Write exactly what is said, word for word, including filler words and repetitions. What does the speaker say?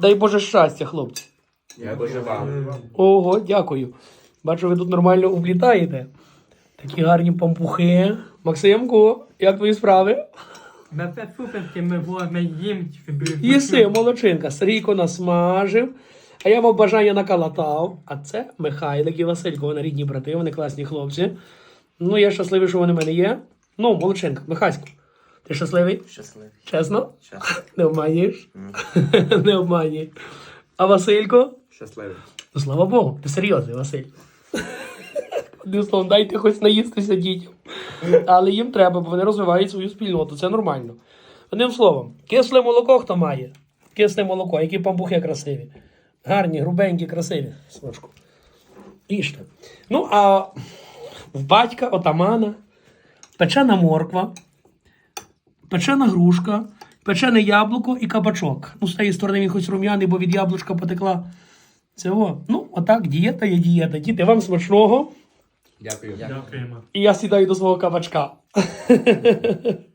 Дай Боже щастя, хлопці. Я дуже вам. Ого, дякую. Бачу, ви тут нормально облітаєте. Такі гарні пампухи. Максимку, як твої справи? На це суперки ми будемо їм. Їси, молодчинка. Сергійко насмажив. А я мав бажання накалатав. А це Михайлик і Василько. Вони рідні брати, вони класні хлопці. Ну, я щасливий, що вони в мене є. Ну, молодчинка, Михасько. Ти щасливий? Щасливий. Чесно? Щасливий. Не обманюєш? Не обманюєш. А Василько? Щасливий. Ну, слава Богу, ти серйозний, Василь. Одним словом, дайте хоч наїстися дітям. Але їм треба, бо вони розвивають свою спільноту, це нормально. Одним словом, кисле молоко хто має? Кисле молоко, які пампухи красиві. Гарні, грубенькі, красиві. Смачку. Їжте. Ну, а в батька, отамана, печена морква, печена грушка, печене яблуко і кабачок. Ну, з тієї сторони він хоч рум'яний, бо від яблучка потекла. Цього. Ну, отак, дієта є дієта. Діти, вам смачного. Дякую. Дякуємо. І я сідаю до свого кабачка.